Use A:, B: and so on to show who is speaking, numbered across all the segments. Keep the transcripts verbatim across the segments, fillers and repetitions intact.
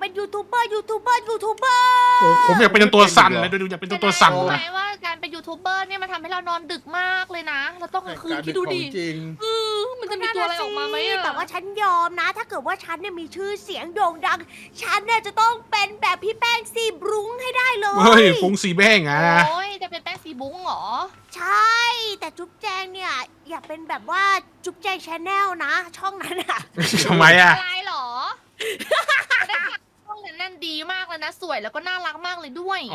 A: เป็นยูทูบเบอร์ยูทูบเบอร์ยูทูบเบอร์
B: โอ้ผมอยากเป็นตัวสั่นเลยดูอยากเป็นตัวสั่น
C: รู้ไหม
B: นะ
C: ว่าการเป็นยูทูบเบอร์เนี่ยมันทำให้เรานอนดึกมากเลยนะ เราต้องกลางคืน
D: การ
C: คิ
D: ดึ
C: ด
D: ก
C: ดู
D: ขอ
C: ดิ
D: งจริง
C: เออมันจะมีตัวอะไรออกมาไหมอะ
A: แต่ว่าฉันยอมนะ ถ้าเกิดว่าฉันเนี่ยมีชื่อเสียงโด่งดัง ฉันเนี่ยจะต้องเป็นแบบพี่แป้งซีบรุ้งให้ได้เลย
B: เฮ้ยฟุ้งสีแบ้งอะนะ
C: โอ้ยจะเป็นแป้งสีบุ้งเหรอ
A: ใช่ แต่จุ๊บแจงเนี่ยอย่าเป็นแบบว่าจุ๊บแจงชาแนลนะ ช่องนั้นอะ
B: ทำไมอะ
C: อะไรเหรอได้ค่ะช่องนั้นนั่นดีมากเลยนะ สวยแล้วก็น่ารักมากเลยด้วย
B: โอ้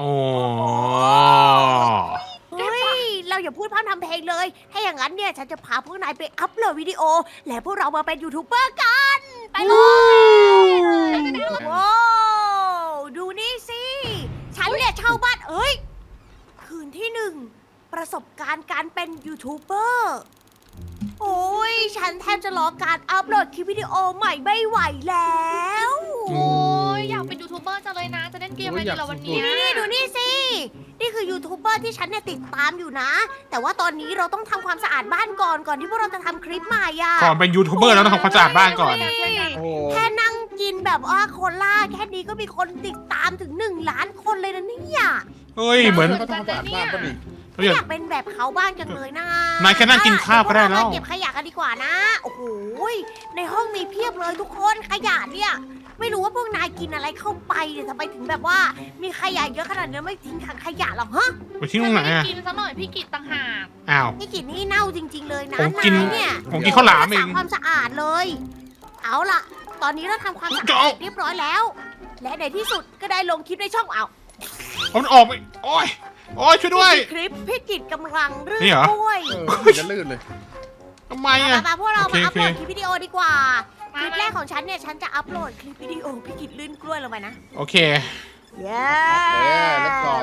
A: เฮ้ย เราอย่าพูดพร่ำทำเพลงเลย ถ้าอย่างนั้นเนี่ย ฉันจะพาพวกนายไปอัพโหลดวิดีโอ และพวกเรามาเป็นยูทูบเบอร์กัน ไปเลยว้าวดูนี่สิ ฉันเนี่ยเช่าบ้านเอ้ย คืนที่หนึ่ง ประสบการณ์การเป็นยูทูบเบอร์ โอ้ย ฉันแทบจะรอการอัพโหลดคลิปวิดีโอใหม่ไม่ไหวแล้ว
C: โอ้ยอยากเป็นยูทูบเบอร์จังเลยนะ จะเล่นเกมอะไรดีเราวันนี้
A: นี่ดูนี่สิ นี่คือยูทูบเบอร์ที่ฉันเนี่ยติดตามอยู่นะ แต่ว่าตอนนี้เราต้องทำความสะอาดบ้านก่อนก่อนที่พวกเราจะทำคลิปใหม่อะ
B: ก่อนเป็นยูทูบเบอร์แล้วต้องทำความสะอาดบ้านก่อน
D: โอ้
A: แค่นั่งกินแบบว่าโคล่าแค่นี้ก็มีคนติดตามถึงหนึ่งล้านคนเลยนะเนี่ย
B: เฮ้ยเหมือน
D: ก็ต้องสะอาดบ้านป่ะนี่
B: เราอยาก
A: อยากเป็นแบบเขาบ้างจังเลยนะ
B: นายแค่นั่งกินข้าวก็ได้แล้ว
A: เดี๋ยพกเรามาเก็บขยะกันดีกว่านะ โอ้โหในห้องมีเพียบเลยทุกคนขยะเนี่ย ไม่รู้ว่าพวกนายกินอะไรเข้าไปเนี่ยทำไมถึงแบบว่า มีขยะเยอะขนาดนี้ไม่ทิ้งถังขยะหรอกฮะ
B: ไปทิ้งตรงไหน
C: ไม่
B: อะ
C: กินซะหน่อยพี่กิตต่างหาก
B: อ้าว
A: นี่กลิ่นนี่เน่าจริง ๆ เลยนะ
B: ผมกิน
A: นายเนี่ย
B: ผมกินข้าวหลามเอ
A: รัก
B: ง
A: ษความสะอาดเลย เอาล่ะ ตอนนี้เราทำความสะอาด
B: เจ้า
A: เสร็จเรียบร้อยแล้ว และในที่สุดก็ได้ลงคลิปในช่องเอา
B: มันออกไปโอ้ยโอ้ยช่วยด้วย
A: คลิปพี่กิจกำลังรื่น
B: นี่เหรอ
A: กล้วย
D: เออมันจะลื่นเลย
B: ทำไม
A: มา
B: อะ
A: มาพวกเรา
B: โอเค
A: มาอัพโหลด
B: โอเค
A: คลิปวิดีโอดีกว่า ค
C: มา
A: ลิปแรกของฉันเนี่ย ฉันจะอัพโหลดคลิปวิดีโอพี่กิจลื่นกล้วยลงไปนะ
B: โอเค
A: เย้
D: เออแล้วก็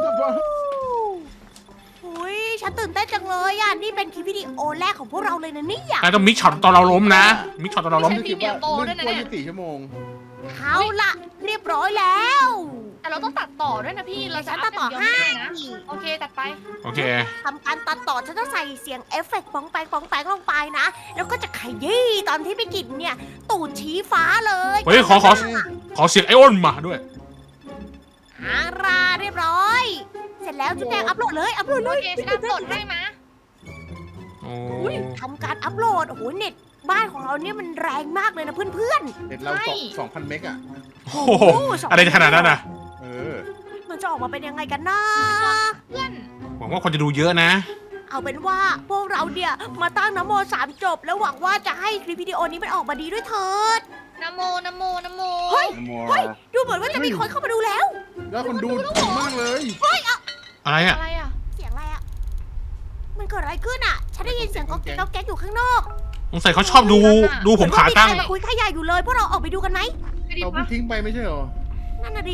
A: อุ้ยฉันตื่นเต้นจังเลยอ่ะ นี่เป็นคลิปวิดีโอแรกของพวกเราเลยนะเนี่ย
B: นายต้องมิกช็อตตอนเราล้มนะ มิกช็อตตอนเราล้ม
C: ไม่ใช่ พี่เมียโตด้วยนะเนี่ย
D: ลื่กล้วยยี่สิบสี่ชั่วโมง
A: เอาล่ะ เรียบร้อยแล้ว
C: แต่เราต้องตัดต่อด้วยนะพี่ เราจะ
A: ฉัน
C: อั
A: ตั
C: พ
A: ดต่อ
C: อย่างเดียว
A: ให้
C: ไม่ได้นะ โอเคตัดไป
B: โอเค
A: ทำการตัดต่อฉันต้องใส่เสียงเอฟเฟกต์ปองแปงปองแปงลงไปนะ แล้วก็จะขยี้ตอนที่พี่กิจเนี่ย ตูดชี้ฟ้าเลย
B: เฮ้ยขอขอ ขอเสียงไอออนมาด้วย
A: อาราเรียบร้อย เสร็จแล้วจุ๊บแดงอัพโหลดเลย อัพโหลดเล
C: โอย เคฉันอัพโหลดให้มา
B: โอ้
A: ทำการอัพโหลด โอ้โห เน็ตบ้านของเราเนี่ยมันแรงมากเลยนะเพื่อน
D: เด็ดเรา
C: ใช่
D: สองสองพันเมกอะ
A: ๆ
B: โหอะไรจะขนาดนั้นอะ
D: เออ
A: มันจะออกมาเป็นยังไงกันนะ
C: เพื่อน
B: หวังว่าคนจะดูเยอะนะ
A: เอาเป็นว่าพวกเราเนี่ยมาตั้งนโมสามจบ แล้วหวังว่าจะให้คลิปวิดีโอนี้มันออกมาดีด้วยเถิด
C: นะโมนะโมนะโม
A: เฮ้ย
D: มัว
A: เฮ้ย ดูเหมือนว่าจะมีคนเข้ามาดูแล้ว
D: แล้วคนดูดีมากเลย
B: อะไรอะ
C: อะไรอ่ะ
A: เสียงอะไรอะมันเกิดอะไรขึ้นอะฉันได้ยินเสียงก๊อกแก๊กก๊อกแก๊กอยู่ข้างนอก
B: สงสัยเขาชอบดู ดูผมขาตั้ง
A: เหมือนว่ามีใครมาคุยขยะอยู่เลยพวกเราออกไปดูกันไหม
C: ไม่ดี
D: เราเพิ่
C: ปะ
D: งทิ้งไปไม่ใช่เหรอ
A: นั่นน่ะดิ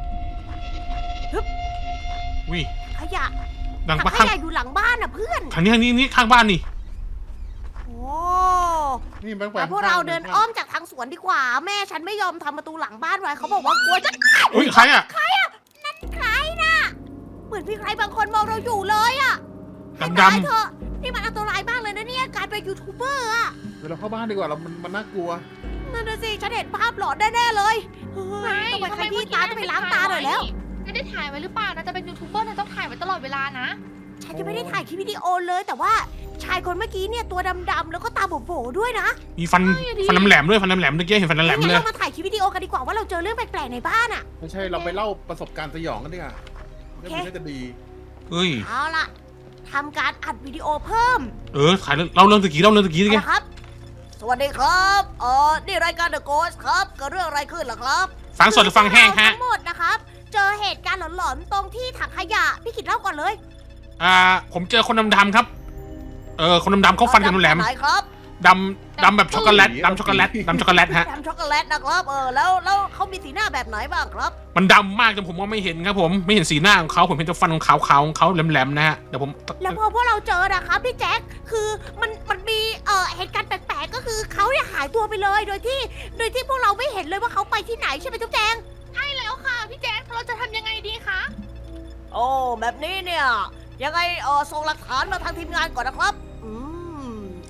B: วิ
A: ขยะ
B: ดัง
A: ถัง
B: ปะ
A: ข
B: ข้าง
A: ยะอยู่หลังบ้านอะเพื่อน
B: ทางนี้ทางนี้นี่ข้างบ้านนี่
A: โอ้
D: นี่แบงค์ไป
A: แล้วพวกเราเดินอ้อมจากทางสวนดีกว่า แม่ฉันไม่ยอมทำประตูหลังบ้านไว้เขาบอกว่ากลัวจะ
B: อุ้ยใครอะ
A: ใครน่ะเหมือนมีใครบางคนมองเราอยู่เลยอะ
B: ดำ
A: ตาย
B: ดำ
A: เถอะนี่มันอันตรายมากเลยนะเนี่ยการเป็นยูทูบเบอร์อะ
D: เดี๋ยวเราเข้าบ้านดีกว่าเรามันมันน่ากลัว
A: นั่นน่ะสิฉันเห็นภาพหลอนแน่ๆเลยเฮ้ยต้องไปขยี้ตาต้องไปล้างตาหน่อยแล้ว
C: ไม่ได้ถ่ายไว้หรือเปล่านะจะเป็นยูทูบเบอร์นะต้องถ่ายไว้ตลอดเวลานะ
A: ฉันยังไม่ได้ถ่ายคลิปวิดีโอเลย แต่ว่าชายคนเมื่อกี้เนี่ยตัวดำๆแล้วก็ตาโบๆด้วยนะ
B: มีฟัน ฟันแหลมๆด้วยฟันแหลมๆเมื่อกี้เห็นฟันแหลมๆ
A: งั้น
B: เลย
A: เรามาถ่ายคลิปวิดีโอกันดีกว่าว่าเราเจอเรื่องแปลกๆในบ้านอะ
D: ไม่ใช่เราไปเล่าประสบการณ์สยองกันดีกว่า
A: โอ
D: เรื่
A: เค
D: องนี้น่าจะดี
B: เฮ้ย
A: เอาล่ะทำการอัดวิดีโอเพิ่ม
B: เออถ่ายเรื่องเล่าเรื่องตะกี้เล่าเรื่องตะกี้ดิแก
A: เอาละครับ สวัสดีครับเออนี่รายการ The Ghost ครับเกิดเรื่องอะไรขึ้นล่ะครับ
B: ฟังสดหรือฟังแห้งฮะ
A: ทั้งหมดนะครับ เจอเหตุการณ์หลอนๆตรงที่ถังขยะพี่กิดเล่าก่อนเลย
B: อ่า ผมเจอคนดำๆครับ เออ คนดำๆเขาฟันกันแหลม
A: ไหนครับ
B: ๆดำดำแบบช็อกโกแลตดำช็อกโกแลตดำช็อกโกแลตฮะ
A: ทำช็อกโกแลตนะครับเออแล้วแล้วเขามีสีหน้าแบบไหนบ้างครับ
B: มันดำมากจนผมมองไม่เห็นครับผม ไม่เห็นสีหน้าของเขาผมเห็นแต่ฟันของขาวๆของเขาแหลมๆนะฮะ เดี๋ยวผม
A: แล้วพอพวกเราเจอนะครับพี่แจ็คคือมันมันมีเอ่อเหตุการณ์แปลกๆก็คือเขาเนี่ยหายตัวไปเลยโดยที่โดยที่พวกเราไม่เห็นเลยว่าเขาไปที่ไหนใช่ไหมจุ๊บแจง
C: ใช่แล้วค่ะพี่แจ๊คเราจะทำยังไงดีคะ
A: โอ้แบบนี้เนี่ยยังไงเออส่งหลักฐานมาทางทีมงานก่อนนะครับอืม
B: ไ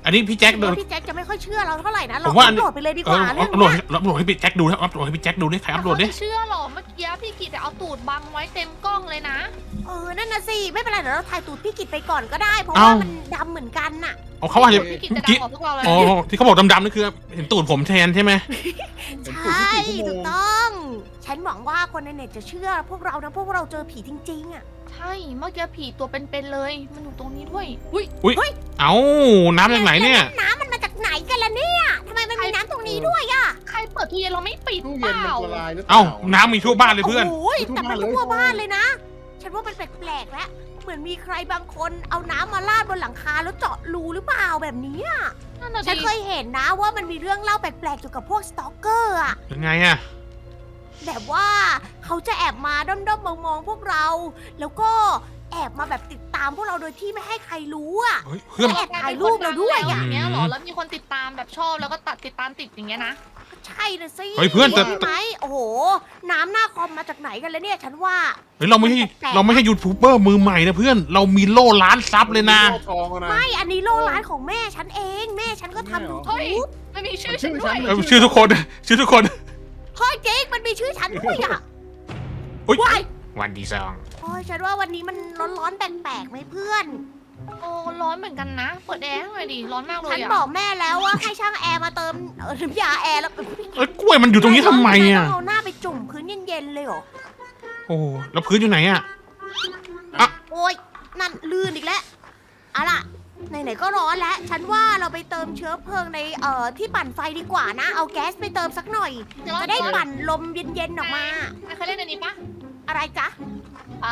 B: อันนี้พี่แจ็คโดน
A: พี่แจ็คจะไม่ค่อยเชื่อเราเท่าไหร่นะเรา
B: ผมว่า
A: อัปโหลดไปเลยดีก
B: เออ
A: ว่าเรื่อง
B: อัพโหลด
A: เนี้ย
B: อัพโหลดให้พี่แจ็คดูนะอัพโหลดให้พี่แจ็คดูดิใครอัพโหลดดิ
C: แต่เขาไม่เชื่อหรอกเมื่อกี้พี่กิตเอาตูดบังไว้เต็มกล้องเลยนะ
A: เออนั่นน่ะสิไม่เป็นไรเดี๋ยวเราถ่ายตูดพี่กิตไปก่อนก็ได้ เพราะ
B: เอ้า
A: ว่ามันดำเหมือนกันน่ะ
B: เอาเขาว่าจะ
C: พี่กิตจะดั
B: กี้
C: งกว่าพวกเราเลย
B: อ๋อที่เขาบอกดำๆนี่คือเห็นตูดผมแทนใช่ไหม
A: ใช่ถูกต้อง ฉันหวังว่าคนในเน็ตจะเชื่อพวกเรานะพวกเราเจอผีจริงๆอ่ะ
C: ใช่เมื่อกี้ผีตัวเป็นๆเลย มันอยู่ตรงนี้ด้วยอุ้ย
B: อุ้ยเอ้าน้ำจากไหนเนี่ย
A: น้ำมันมาจากไหนกันล่ะเนี่ยทำไมมันมีน้ำตรงนี้ด้วยอ่ะ
C: ใครเปิดตู้เย็นเราไม่ปิด
D: ตู้
C: เป
D: เย็นมัน
C: ล่า
D: ละลายหรือเปล่า
B: เอ้าน้ำมีทั่วบ้านเลยเพื่อน
A: โอ้ย
D: ทั่ว
A: แต่มัน
D: บ้านเลย
A: ทั่วบ้านเลยนะ ฉันว่ามันแปลกๆแล้วเหมือนมีใครบางคนเอาน้ำมาราดบนหลังคาแล้วเจาะรูหรือเปล่าแบบนี้อะ
C: นั่นน่ะ
A: ฉัน
C: ดิ
A: เคยเห็นนะว่ามันมีเรื่องเล่าแปลกๆเกี่ยวกับพวกสตอกเกอร์อะ
B: ยังไงอะ
A: แบบว่าเขาจะแอบมาด้อมๆมองๆพวกเรา แล้วก็แอบมาแบบติดตามพวกเราโดยที่ไม่ให้ใครรู้อะ
B: เฮ้ยเพื่อน
A: แอบถ่ายรูปเราด้วยอะ
C: อย่างเงี้ยเหรอแล้วมีคนติดตามแบบชอบแล้วก็ตัดติดตามติดอย่างเงี้ยนะ
A: ใช่นะสิ
B: เฮ้ยเพื่อนแต่
A: ใช่ไหมโอ้โห น้ำหน้าคอมมาจากไหนกันเลยเนี่ย ฉันว่า
B: เฮ้ยเราไม่ใช่เราไม่ใช่ยูทูบเบอร์มือใหม่นะเพื่อนเรามีโล่ล้านซับเลยนะ
D: โล่ทองอะนะ
A: ไม่ อันนี้โลร้านของแม่ฉันเอง แม่ฉันก็ทำยู
C: เฮ้ย
A: ทูบ
C: มันมีชื่อ
D: ชื่
C: ฉัน
D: อ
C: ด้วย
D: ฉัน
B: เออชื่อทุกคนชื่อทุกคน
A: เฮ้ยเจ๊กมันมีชื่อฉันด้วยอ่ะ
B: อุ๊ย
A: ว้าย
B: วันดีซอง
A: โอ้ยฉันว่าวันนี้มันร้อนๆแปลกๆไหมเพื่อน
C: โอ้ร้อนเหมือนกันนะ เปิดแอร์ให้หน่อยดิร้อนมากเล
A: ฉั
C: ย
A: น
C: อะ
A: บอกแม่แล้วว่าให้ช่างแอร์มาเติมเอ่อน้ำยาแอร์แล้ว
B: เอ้ยกล้วยมันอยู่ตรงนี้ทำไมอะ
A: ต้องเอาหน้าไปจุ่มพื้นเย็นๆเลยเหรอ
B: โอ้แล้วพื้นอยู่ไหนอะ
A: โอ้ยนั่นลื่นอีกแล้วเอาล่ะไหนๆก็ร้อนแล้ว ฉันว่าเราไปเติมเชื้อเพลิงในเอ่อที่ปั่นไฟดีกว่านะ เอาแก๊สไปเติมสักหน่อย จะได้ปั่นลมเย็นๆออกมา
C: เคยเล่นอันนี้ปะ
A: อะไรจ๊ะ
C: อ่า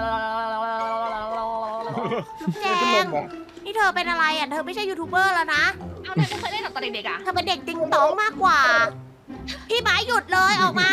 A: ลูกแจ
D: เป็นล
A: ง
D: มเหรอ
A: นี่เธอเป็นอะไรอ่ะ เธอไม่ใช่ยูทูบเบอร์แล้วนะ
C: เอาเนี่ยไม่เคยเล่นหรอตอนเด็กๆอะ
A: เธอเป็นเด็กติงตองมากกว่า พี่หมายหยุดเลยออกมา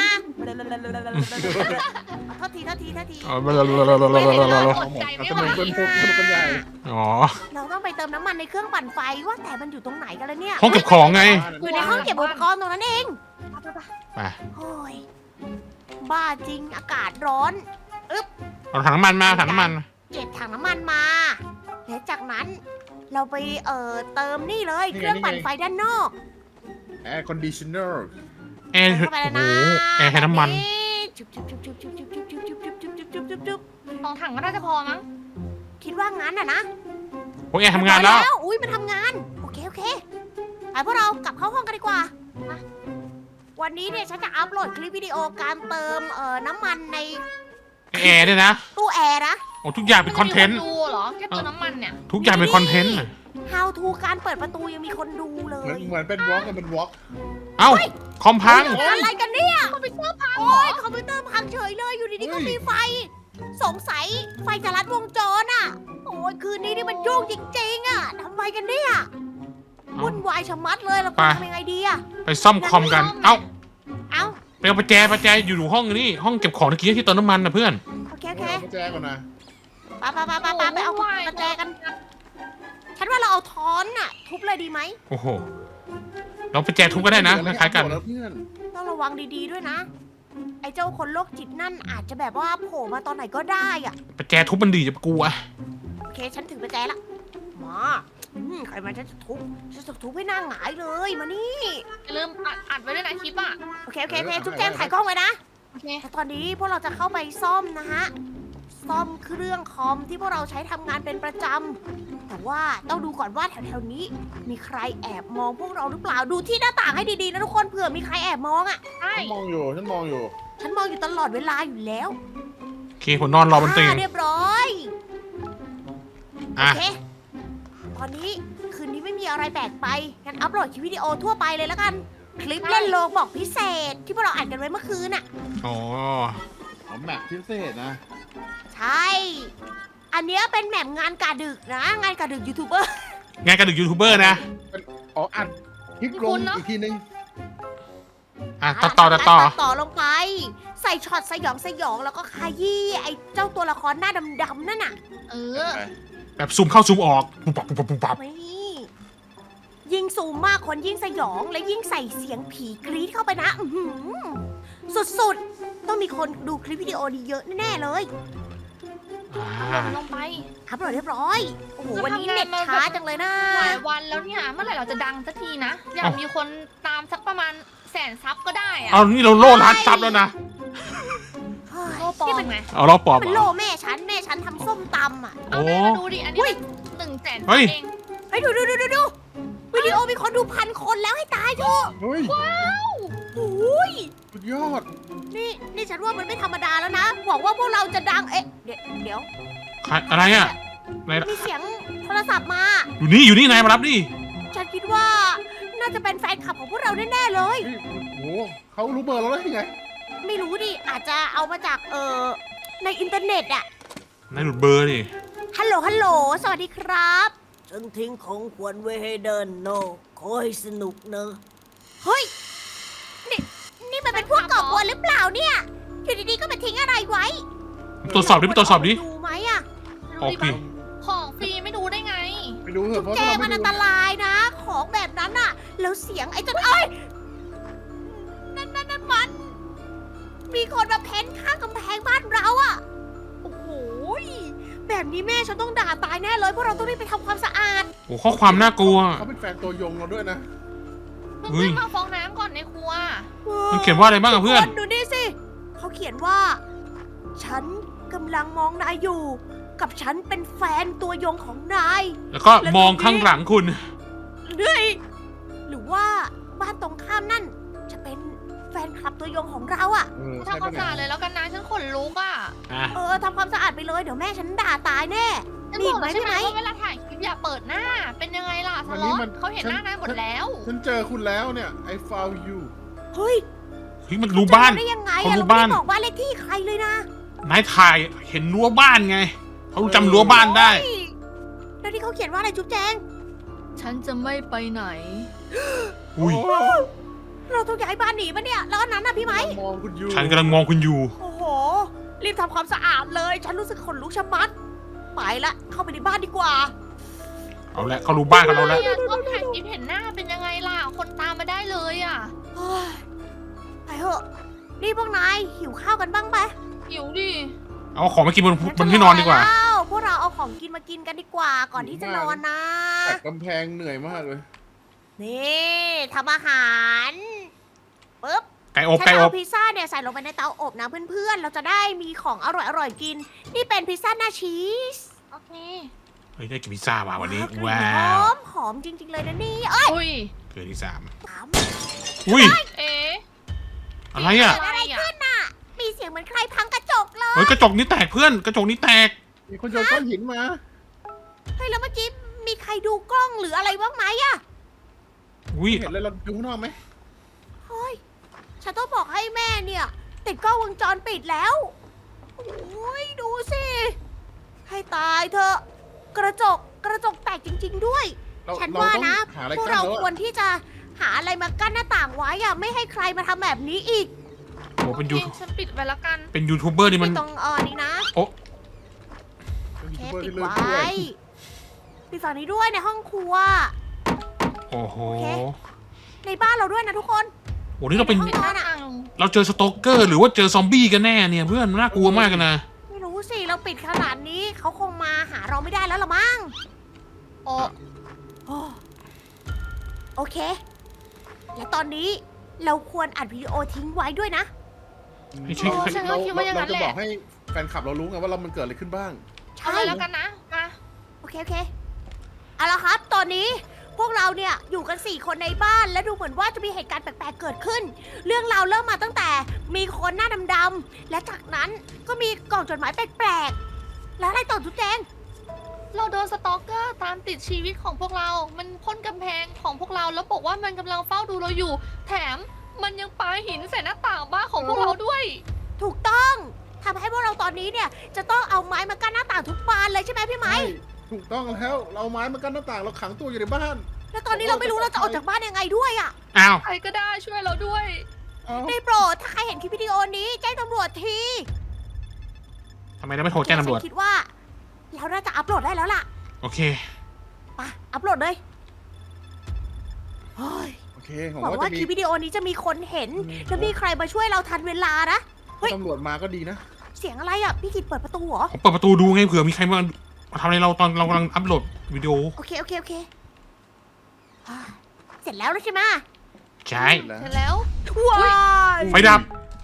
A: โทษทีโทษทีโทษที
B: อ๋อ
C: อดใจไม่
D: ส
C: ไหว
D: นุกเป็นพวกสนุกเป็นใหญ่
B: อ๋อ
A: เราต้องไปเติมน้ำมันในเครื่องปั่นไฟว่าแต่มันอยู่ตรงไหนกันแล้วเนี่ย
B: ห้องเก็บของไง
A: อยู่ในห้องเก็บอุปกรณ์ตรงนั้นเอง
B: ไป
A: โอ้ยบ้าจริงอากาศร้อน
B: เอาถังน้ำมันมาถังน้ำมัน
A: เก็บถังน้ำมันมา และจากนั้นเราไปเอ่อเติมนี่เลย เครื่องปั่นไฟด้านนอก
D: แอร์คอนดิชเนอร์
B: แอร์
A: เข้าไป
B: โอ้
A: แล้ว
B: โห
A: นะ
B: แอร์ให้น้ำมัน
A: จุ๊บจุ๊บจุ๊บจุ๊บจุ๊บจุ๊บจุ๊บจุ๊บจุ๊บจุ๊บจุ๊บจุ๊บจุ๊บจุ๊บ
C: สองถังก็น่าจะพอมั้ง
A: คิดว่างั้นอ่ะนะ
B: โอ้ยแอร์ทำงานแล้ว
A: อุ้ยมันทำงาน โอเคโอเคไปพวกเรากลับเข้าห้องกันดีกว่ามาวันนี้เนี่ยฉันจะอัพโหลดคลิปวิดีโอการเติมเอ่อน้ำมันใน
B: แอร์ด้วยนะ
A: ตู้แอร์นะ
B: โอ้ทุกอย่างเป็นคอนเทนต์
C: มัจะมีคดูเหรอแค่ตัวน้ำมันเนี่ย
B: ทุกอย่างเป็นคอนเทนต์
A: How to การเปิดประตูยังมีคนดูเล
D: เหมือน
A: ย
D: เหมือนเป็นวอล์กกันเป็นวอล์ก
B: เอ้าคอมพัง
A: อะไรกันเนี่ย
C: คอมพิวเตอร์พัง
A: โอ้ยคอมพิวเตอร์พังเฉยเลยอยู่ดีๆก็มีไฟ สงสัยไฟจะลัดวงจรอ่ะ โอ้ยคืนนี้นี่มันยุ่งจริงๆอ่ะทำไมกันเนี่ย
B: เอ้า
A: วุ่นวายชะมัดเลยเรา
B: ไป
A: ทำยังไงดีอ่ะ
B: ไปซ่อมคอมกัน เอ้า
A: เอ้า
B: ไปเอาประแจประแจอยู่ห้องนี่ห้องเก็บของตะกี้ที่เติมน้ำมันนะเพื่อน
A: โอเคโอเค
D: เอากุญแจก่อนนะ
A: ไปไปไปไปไปไปเอากระแจกัน ฉันว่าเราเอาท้อนน่ะ ทุบเลยดีไหม
B: โอ้โหเราประแจทุบก็ได้นะคล้ายๆกัน
D: แล้วเพื่อน
A: ต้องระวังดีๆด้วยนะ ไอ้เจ้าคนโรคจิตนั่นอาจจะแบบว่าโผล่มาตอนไหนก็ได้อ่ะ
B: ประแจทุบมันดีจะกลัว
A: โอเค ฉันถึงประแจละ มาอืมใครมาฉันจะทุบ ฉันจะทุบให้หน้าหงายเลย มานี่
C: อย่าลืมอัดอัดไว้ด้วยนะคลิปอ่ะ
A: โอเคโอเคโอเคทุกแจงถ่ายกล้องไว้นะ
C: โอเค
A: แต่ตอนนี้พวกเราจะเข้าไปซ่อมนะฮะ ซ่อมเครื่องคอมที่พวกเราใช้ทำงานเป็นประจำ แต่ว่าต้องดูก่อนว่าแถวๆนี้ มีใครแอบมองพวกเราหรือเปล่า ดูที่หน้าต่างให้ดีๆนะทุกคน เผื่อมีใครแอบมองอ่ะ
C: ใช่
D: ฉันมองอยู่ฉันมองอยู่
A: ฉันมองอยู่ตลอดเวลาอยู่แล้ว
B: โอเคผมนอนรอบนเตียง
A: อ่าเรียบร้อย โอ
B: อ่ะ
A: เค ตอนนี้คืนนี้ไม่มีอะไรแปลกไป งั้นอัพโหลดคลิปวิดีโอทั่วไปเลยแล้วกัน คลิปเล่นโลบอกพิเศษ ที่พวกเราอ่านกันไว้เมื่อคืนน่ะ
B: อ๋อ
D: อ๋อแมปพิเศษนะ
A: ใช่ อันเนี้ยเป็นแหม่มงานกาดึกนะ งานกาดึกยูทูบเบอร์
B: งานกระดึกยูทูบเบอร์นะ
D: อ๋ออัดคลิปลงอีกทีนึง
B: อ่ะตัดต่อตัดต่อ
A: ตัดต่อลงไป ใส่ช็อตสยองสยองแล้วก็ขยี้ไอ้เจ้าตัวละครหน้าดำๆนั่นน่ะ
C: เออ
B: แบบซูมเข้าซูมออกปุ๊บปับปุ๊บปับปุ๊บปับ
A: นี่ยิ่งซูมมากคนยิ่งสยองและยิ่งใส่เสียงผีกรี๊ดเข้าไปนะ อื้อหือสุดๆ ต้องมีคนดูคลิปวิดีโอนี้เยอะแน่ๆเลย
B: ออ่า
C: ลงไป
A: อัพโหลดเรียบร้อย โอ้โห
C: เรา
A: วันนี้
C: ทำงาน
A: เน็ต
C: มา
A: ช้าจังเลยนะ
C: หลายวันแล้วเนี่ยเมื่อไหร่เราจะดังสักทีนะ อยากมีคนตามสักประมาณแสนซับก็ได้อะ
B: เอานี่เราโล่ร้านซับแล้วนะ
A: เฮ้ย
C: โลปลอ
A: นี่
C: ม
A: มัน
C: ไง
B: เอาเราปลอบ
A: เป็น
B: เห
A: โล
B: รอ
A: แม่ฉันแม่ฉันทำส้มตำอ่ะ
C: เอา
B: โอ้
C: แม่มาดูดิ อันนี้
A: อุ้ย
C: มันหนึ่งแสน
B: เฮ้ย
C: เอง
A: เฮ้ยดูดูดูดูดูวิดีโอมีคนดูพันคนแล้วให้ตายเถอะ
D: เฮ้ย
A: โอ้ย
D: สุดยอด
A: นี่นี่ฉันว่ามันไม่ธรรมดาแล้วนะหวังว่าพวกเราจะดัง เอ๊ะ เดี๋ยวเดี๋ยว
B: ใครอะไรอ่ะไหน
A: มีเสียงโทรศัพท์มา
B: อยู่นี่อยู่นี่นายมารับดิ
A: ฉันคิดว่าน่าจะเป็นแฟนคลับของพวกเราแน่ๆเลย
D: เฮ้ยโอ้โหเขารู้เบอร์เราได้ยังไง
A: ไม่รู้ดิ อาจจะเอามาจากเออในอินเทอร์เน็ตอะ
B: นายหลุดเบอร์ดิ
A: ฮัลโหล ฮัลโหล สวัสดีครับ ฉันทิ้งของขวัญไว้ให้เดินโนขอให้สนุกเนอะเฮ้ย นี่ นี่มันเป็นพวกก่อกวนหรือเปล่าเนี่ย อยู่ดีๆ ก็มาทิ้งอะไรไว้
B: ตรวจสอบดิไปตรวจสอบดิ
A: ดูไหมอะ
B: โอเค
C: ของฟรีไม่ดูได้ไง
D: ไปดูเถอะเพราะ
A: แจ
D: เรา
A: มั
D: ไม่
A: นอัน
D: ดู
A: ตรายนะ ของแบบนั้นอะแล้วเสียงไอ้จนเอ้ย นั่นนั่นนั่นมัน มีคนมาเพ้นข้างกำแพงบ้านเราอะโอ้โหยแบบนี้แม่ฉันต้องด่าตายแน่เลยเพราะเราต้องรีบไปทำความสะอาด
B: โอ้ข้อความน่ากลัว
D: เขาเป็นแฟนตัวยงเราด้วยนะ
C: เพิ่ง
B: เฮ้ย
C: ขึ้นมาฟองน้ำก่อนในครัว
B: มันเขียนว่าอะไรบ้างอะเพื่อน
A: ทุกคดูนี่สิ เขาเขียนว่า ฉันกำลังมองนายอยู่ กับฉันเป็นแฟนตัวยงของนาย
B: แล้วก็มองข้างหลังคุณ
A: เฮ้ยหรือว่าบ้านตรงข้ามนั่น จะเป็นแฟนคลับตัวยงของเราอะ
D: เออ
C: ทำความสะอาดเลยแล้วกันนะฉันขนลุกอ่ะ
B: อ่ะ
A: เออทำความสะอาดไปเลยเดี๋ยวแม่ฉันด่าตายแน่
C: ฉัน
A: มี
C: บ
A: อี
C: อก
A: กไหม
C: แล้วใช่ไหม
A: พี่ไหม
C: ว่าเวลาถ่ายคลิปอย่าเปิดหน้า เป็นยังไงล่ะสล็อตเขาเห็นหน้านายหมดแล้ว
D: ฉันเจอคุณแล้วเนี่ย I found you
A: เฮ้ย
B: เฮ้ยมันรู้บ้าน
A: เจอได้ยังไง
B: เขา
A: อะ
B: รู้
A: เราไม่
B: บ้าน
A: ได้บอกบ้านเลขที่ใครเลยนะ
B: นายถ่ายเห็นรั้วบ้านไง เขาจำรั้วบ้านได้
A: เฮ้ยแล้วที่เขาเขียนว่าอะไรจุ๊บแจง
C: ฉันจะไม่ไปไหน
B: อุ้ย
D: โ
A: เราต้องย้ายบ้านหนีปะเนี่ย แล้วอันนั้นน่ะพี่ไหม
D: มองคุณอยู่
B: ฉันกำลังมองคุณอยู่
A: โอ้โห รีบทำความสะอาดเลย ฉันรู้สึกขนลุกชะมัด ไปละ เข้าไปในบ้านดีกว่า
B: เอาละเขารู้บ้านกับเราแล้ว
C: เนี่ยชอบถ่ายคลิปเห็นหน้าเป็นยังไงล่ะ คนตามมาได้เลยอ่ะ
A: เฮ้ยไปเถอะ นี่พวกนายหิวข้าวกันบ้างไหม
C: หิวดิ
B: เอาของมากินบนบนที่นอนดีกว่า
A: แล้วพวกเราเอาของกินมากินกันดีกว่า ก่อนที่จะนอนนะ
D: แต่กำแพงเหนื่อยมากเลย
A: นี่ทำอาหารปึ๊บ
B: ไก่อบ
A: ฉัน
B: ไก่
A: จะ
B: อ
A: เอา
B: บ
A: พิซซ่าเนี่ยใส่ลงไปในเตาอบนะเพื่อนๆ เราจะได้มีของอร่อยๆกิน นี่เป็นพิซซ่าหน้าชีส
C: โอเค
B: เฮ้ยได้กินพิซซ่าว่ะวันนี้
A: กลิ่
B: ว้า
A: ห
B: ว
A: อมหอมจริงๆเลยนะนี่เอ้ย
C: อุ้ย
B: เกิดที่สาม
A: สาม
B: อุ้ย
C: เอ๊ะ
B: อะไรอ่ะ
A: เกิดอะไรขึ้นน่ะ มีเสียงเหมือนใครพังกระจกเลย
B: เฮ้ยกระจกนี้แตกเพื่อน กระจกนี้แตก
D: มีคนโยนก้อนหินมา
A: เฮ้ยแล้วเมื่อกี้มีใครดูกล้องหรืออะไรบ้างไหมอะ
B: อุ้ย
D: เห็นเลยเราดูข้างนอกไหม
A: เฮ้ย ฉันต้องบอกให้แม่เนี่ย ติดกล้องวงจรปิดแล้ว โอ้ยดูสิ ให้ตายเถอะ กระจกกระจกแตกจริง ๆ ด้วย
D: เรา
A: ฉัน
D: เรา
A: ว่า
D: ต้อง
A: นะ
D: หาอะไร
A: พวก
D: กั้น
A: เรา
D: แล้ว
A: คว
D: อะ
A: รที่จะหาอะไรมากั้นหน้าต่างไว้อะไม่ให้ใครมาทำแบบนี้อีก
B: โอ้เป็นยู
C: โอคฉันปิดไว้แล้วกัน
B: เป็นยูทูบเบอร์นี่มัน
A: ไม่ต้องเออนี่นะ
B: โอ้
D: เป็น
A: เค
D: ยูทูบเบอร์
A: ปิด
D: ที่เลือก
A: ไว้
D: ด้วย
A: ปิดฝั่งนี้ด้วยในห้องครัว
B: โอ้โห
A: โอเค ในบ้านเราด้วยนะทุกคน
B: โอ้นี่เราเป็น
C: ปิดหน้าต่าง
B: เราเจอสโตเกอร์หรือว่าเจอซอมบี้กันแน่เนี่ยเพื่อนน่ากลัวมากกันนะ
A: ไม่รู้สิ เราปิดขนาดนี้เขาคงมาหาเราไม่ได้แล้วละมั้ง
C: โอ้
A: โอ้โอเค และตอนนี้เราควรอัดวิดีโอทิ้งไว้ด้วยนะ
B: ไม่ใช่
C: โอ้ฉันก็คิดว่าอย่างนั้น
D: เราจะ
C: แห
D: บอ
C: ละ
D: กให้แฟนคลับเรารู้ไงว่าเรามันเกิดอะไรขึ้นบ้าง
C: เอาเลยแล้วกันนะ มา
A: โอเค โอเค เอาละครับ ตอนนี้พวกเราเนี่ยอยู่กันสี่คนในบ้าน และดูเหมือนว่าจะมีเหตุการณ์แปลกๆเกิดขึ้น เรื่องราวเริ่มมาตั้งแต่มีคนหน้าดำๆ และจากนั้นก็มีกล่องจดหมายแปลกๆ แล้วอะไรต่อจุ๊บแจง
C: เราโดนสตอกเกอร์ตามติดชีวิตของพวกเรา มันพ่นกำแพงของพวกเราแล้วบอกว่ามันกำลังเฝ้าดูเราอยู่ แถมมันยังปาหินใส่หน้าต่างบ้านของพวกเราด้วย
A: ถูกต้องทำให้พวกเราตอนนี้เนี่ยจะต้องเอาไม้มากั้นหน้าต่างทุกบานเลยใช่ไหมพี่ไหม
D: ใช่ถูกต้องแล้ว เราเอาไม้มากั้นหน้าต่างเราขังตัวอยู่ในบ้าน
A: แล้วตอนนี้เราไม่รู้เราจะออกจากบ้านยังไงด้วยอ่ะ
B: อ้าว
C: ใครก็ได้ช่วยเราด้วย
D: เอ้า
A: ได้โปรดถ้าใครเห็นคลิปวิดีโอนี้แจ้งตำรวจที
B: ทำไมเราไม่โทรแจ้งตำรวจ
A: ฉันคิดว่าเราน่าจะอัปโหลดได้แล้วล่ะ
B: โอเค
A: ไปอัปโหลดเลยเฮ้ย
D: โอเคผม
A: หวัง
D: ว่า
A: ว่า
D: จะมี
A: คลิปวิดีโอนี้จะมีคนเห็น
D: อืม
A: และมีใครมาช่วยเราทันเวลานะ เฮ้ย
D: ตำรวจมาก็ดีนะ
A: เสียงอะไรอ่ะพี่กิตเปิดประตูเหรอ
B: ผมเปิดประตูดูไงเผื่อมีใครมามาทำอะไรเราตอนเรากำลังอัพโหลดวิดีโอ
A: โอเคโอเคโอเคอ่าเสร็จแล้วแล้วใช่ไหม
B: ใช่
C: เสร็จแล้ว
A: ว้าย
B: ไฟดับ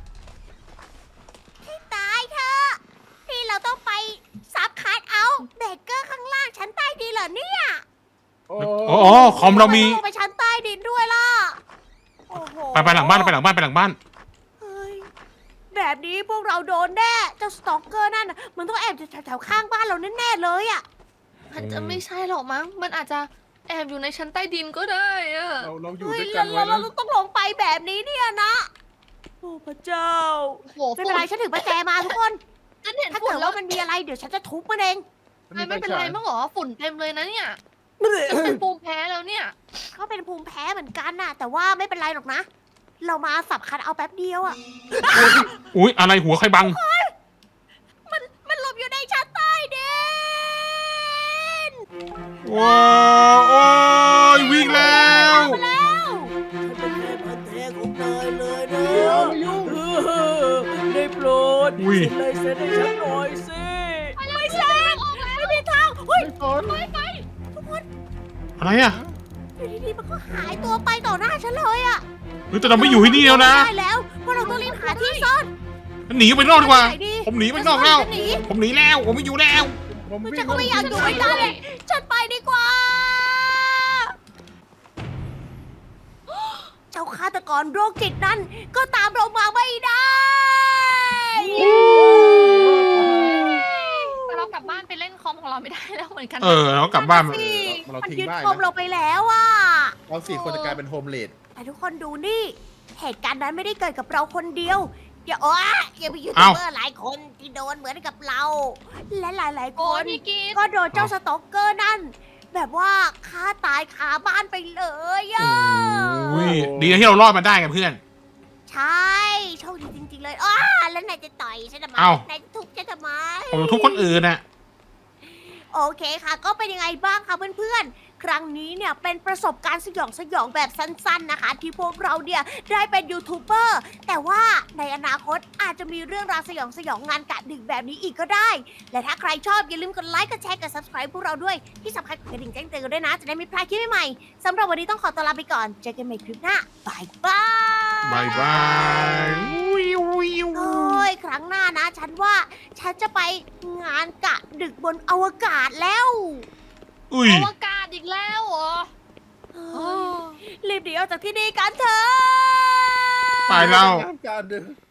A: ให้ตายเถอะนี่เราต้องไปซับคาร์ดเอาท์เบเกอร์ข้างล่างชั้นใต้ดินเหรอเนี่ย
D: โอ้
B: อ๋อคอมเรามี
A: ทำไต้องไปชั้นใต้ดินด้วยล่ะโอ้โห
B: ไปไปหลังบ้านไปหลังบ้านไปหลังบ้าน
A: เฮ้ยแบบนี้พวกเราโดนแน่เจ้าสตอกเกอร์นั่นน่ะมันต้องแอบอยู่แถวๆข้างบ้านเราแน่ๆเลยอ่ะ
C: มันจะไม่ใช่หรอกมั้ง มันอาจจะแอบอยู่ในชั้นใต้ดินก็ได้อะ
D: เราเราอยู่
A: เฮ้ย
D: ด้วยกั
A: เรา
D: นไว้
A: เรา
D: นะ
A: เราต้องลงไปแบบนี้เนี่ยนะโอ้พระเจ้า
C: โอ้โห
A: ไม่เป็นไรฉันถือประแจมาทุกคน
C: ฉันเห็น
A: ถ้า
C: ฝุ่
A: เกิ
C: น
A: ด
C: แล้ว
A: ว่ามันมีอะไรเดี๋ยวฉันจะทุบมันเอง
C: ไม่ไม่เป็นไรมั้งเหรอฝุ่นเต็มเลยนะเนี่ยจะเป็นภูมิแพ้แล้วเนี่ย
A: เขาเป็นภูมิแพ้เหมือนกันน่ะ แต่ว่าไม่เป็นไรหรอกนะ เรามาสับคันเอาแป๊บเดียวอ่ะ
B: อุ้ยอะไรหัวใครบัง
A: มันมันหลบอยู่ในชั้นใต้ดิน
B: ว้าวโอ้ยวิ่งแล้ว
A: มาแล้วฉันเป็นแค่พันแท้ของนายเลยนะ
D: เดี๋ยวมายุ่ง
A: ได้โปรด
B: อุ้ย
A: เซ็นลายเซ็นให้ฉันหน่อยสิไม่ใช่ไม่มีทางเฮ้ย
D: ไม่สน
B: อะไรอ่ะ
A: อยู่ดีๆมันก็หายตัวไปต่อหน้าฉันเลยอ่ะ
B: เฮ้ยแต่เราไม่อยู่ที่นี่แล้วนะ
A: ได้แล้วเพราะเราต้องรีบหาที่ซ่อน
B: หนีไปนอกดีกว่า
A: ไหนดี
B: ผมหนีไปนอกแล้ว
A: จะหนี
B: ผมหนีแล้ว ผมไม่อยู่แล้ว
D: ผม
A: มัน
D: วิ่
A: จะ
D: ง
A: ก็ไม่อยากอยู่ไม่ได้เลย ฉันไปดีกว่า เจ้าฆาตกรโรคจิตนั้น ก็ตามเรามาไม่ได้
C: แต่เรากลับบ้านไปเล่นคอมของเราไม่ได้แล้วเหมือนกัน
B: เออเรากลับบ้าน
A: นั่
B: มาน
A: สิ
D: เรา
A: มัน
D: ทิ้ง
A: ยึด
D: ได้
A: คอม
D: นะ
A: เราไปแล้วอ่ะ
D: เราสี่คนจะกลายเป็นโฮมเลด
A: แต่ทุกคนดูนี่ เหตุการณ์นั้นไม่ได้เกิดกับเราคนเดียว อย่าโอ้อย่าไปยูทูบ
B: เอ้า
A: เบอร์หลายคนที่โดนเหมือนกับเรา และหลายๆค
C: โอ้ย
A: น
C: พี่กีด
A: ก็โดนเจ้าสต็อกเกอร์นั่น แบบว่าฆ่าตายคาบ้านไปเลยอ่ะ
B: อุ้ยดีนะที่เรารอดมาได้กันเพื่อน
A: ใช่โชคดีจริง ๆ เลยอ้าแล้วนายจะต่อยฉันทำไม
B: เอ้า
A: นายจะทุบฉันทำไม
B: ผมจะทุบคนอื่นน่ะ
A: โอเคค่ะ ก็เป็นยังไงบ้างคะเพื่อนๆ ครั้งนี้เนี่ยเป็นประสบการณ์สยองสยองแบบสั้นๆนะคะ ที่พวกเราเนี่ยได้เป็นยูทูบเบอร์แต่ว่าในอนาคตอาจจะมีเรื่องราวสยองสยองงานกะดึกแบบนี้อีกก็ได้ และถ้าใครชอบอย่าลืมกดไลค์กดแชร์กด subscribe พวกเราด้วยที่สำคัญกดกระดิ่งแจ้งเตือนกันด้วยนะ จะได้ไม่พลาดคลิปใหม่ๆสำหรับวันนี้ต้องขอตัวลาไปก่อนเจอกันใหม่คลิปหน้าบายบาย
B: บายบายอุ้ยอุ้ย
A: โอ้ยครั้งหน้านะ ฉันว่าฉันจะไปงานกะดึกบนอวกาศแล้ว
B: อุ้ย
C: อวกาศอีกแล้วเหรอ
A: เฮ้ยรีบหนีออกจากที่นี่กันเถอะ
B: ไปแล้ว
D: การเดิน